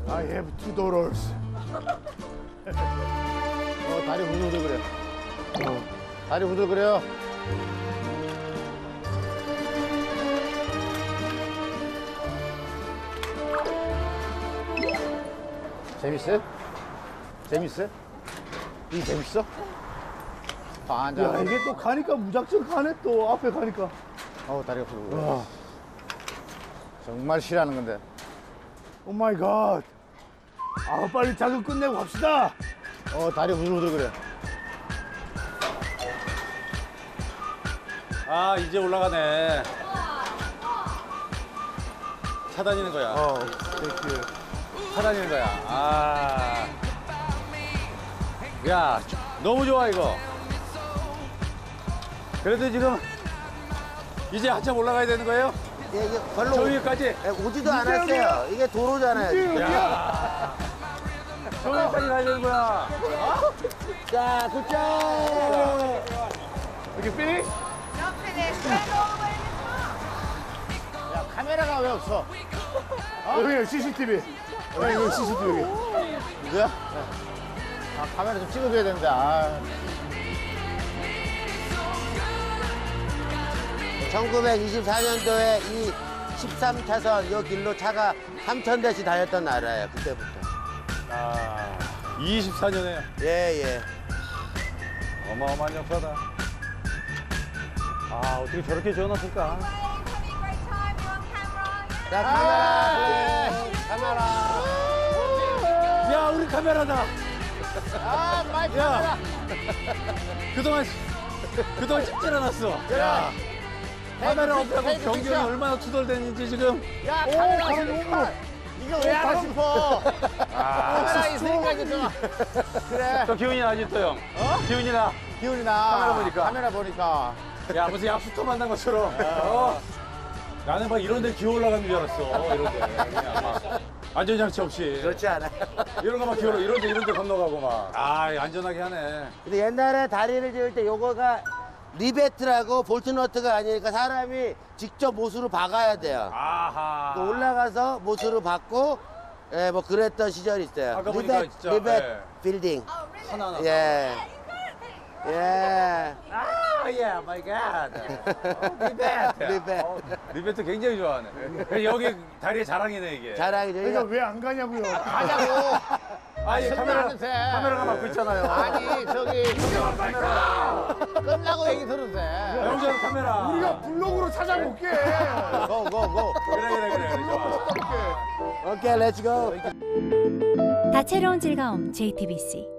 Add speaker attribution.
Speaker 1: I have two daughters.
Speaker 2: 다리 후들후들거려. 다리 후들거려. 재밌어요? 재밌어요? 이게 재밌어? 반장.
Speaker 1: 야, 이게 또 가니까 무작정 가네, 또. 앞에 가니까.
Speaker 2: 다리가 후들후들거려. 정말 싫어하는 건데.
Speaker 1: 오 마이 갓. 아, 빨리 작업 끝내고 갑시다.
Speaker 2: 다리 후들후들거려.
Speaker 3: 아, 이제 올라가네. 차 다니는 거야.
Speaker 1: 땡큐.
Speaker 3: 차 다니는 거야. 아. 야, 너무 좋아, 이거. 그래도 지금 이제 한참 올라가야 되는 거예요?
Speaker 4: 예, 이게 별로
Speaker 3: 저 위에까지?
Speaker 4: 오지도 않았어요. 이게 도로잖아요.
Speaker 3: 야. 저 위에까지 가야 되는 거야.
Speaker 4: 자, 굿잡!
Speaker 1: 이렇게 피니?
Speaker 2: 야, 카메라가 왜 없어?
Speaker 1: 여기 CCTV. 여기 CCTV.
Speaker 2: 이거야? 카메라 좀 찍어줘야 되는데.
Speaker 4: 1924년도에 이 13차선 요 길로 차가 3,000대씩 다녔던 나라예요. 그때부터.
Speaker 3: 아, 24년에
Speaker 4: 예, 예.
Speaker 3: 어마어마한 역사다. 아, 어떻게 저렇게 지어놨을까?
Speaker 4: 자, 카메라.
Speaker 3: 야, 우리 카메라다.
Speaker 2: 마이
Speaker 3: 야.
Speaker 2: 카메라.
Speaker 3: 그동안 찍질 않았어.
Speaker 2: 야.
Speaker 3: 카메라 없다고
Speaker 2: 테이크
Speaker 3: 경경이
Speaker 2: 픽션.
Speaker 3: 얼마나 투덜댔는지 지금.
Speaker 2: 야, 카메라 있으니까. 이거 왜 하고 싶어? 카메라 있으니까 이제 좀. 그래.
Speaker 3: 또 기운이 나지 또 형. 기운이 나.
Speaker 2: 기운이 나.
Speaker 3: 카메라 보니까.
Speaker 2: 카메라 보니까.
Speaker 3: 야, 무슨 약수터 만난 것처럼. 나는 막 이런 데 기어 올라가는 줄 알았어. 이런 데. 그냥 막 안전장치 없이.
Speaker 4: 그렇지 않아요.
Speaker 3: 이런 거 막 기어 이런 데 건너가고 막. 아, 안전하게 하네.
Speaker 4: 근데 옛날에 다리를 지을 때 요거가 리베트라고 볼트너트가 아니니까 사람이 직접 못으로 박아야 돼요.
Speaker 3: 아하.
Speaker 4: 또 올라가서 못으로 박고 예, 뭐 그랬던 시절이 있어요.
Speaker 3: 아까 보니까 진짜,
Speaker 4: 리벳
Speaker 3: 예.
Speaker 4: 빌딩.
Speaker 3: 하나하나.
Speaker 4: 예. 예.
Speaker 3: 아, 예, 마이 갓. 리베트.
Speaker 4: 리벳.
Speaker 3: 리베트 굉장히 좋아하네. 여기 다리의 자랑이네, 이게.
Speaker 4: 자랑이죠.
Speaker 1: 그러니까 왜 안 가냐고요.
Speaker 2: 가자고.
Speaker 3: 아, 예,
Speaker 2: 설명하면서.
Speaker 3: 카메라가 막고 있잖아요.
Speaker 2: 아니, 저기. 끝나고 얘기 들어도 돼.
Speaker 3: 영장 카메라.
Speaker 1: 우리가 블로그로 찾아볼게.
Speaker 2: 고, 고, 고.
Speaker 3: 그래, 좋아.
Speaker 4: 오케이, 렛츠고.
Speaker 5: 다채로운 즐거움 JTBC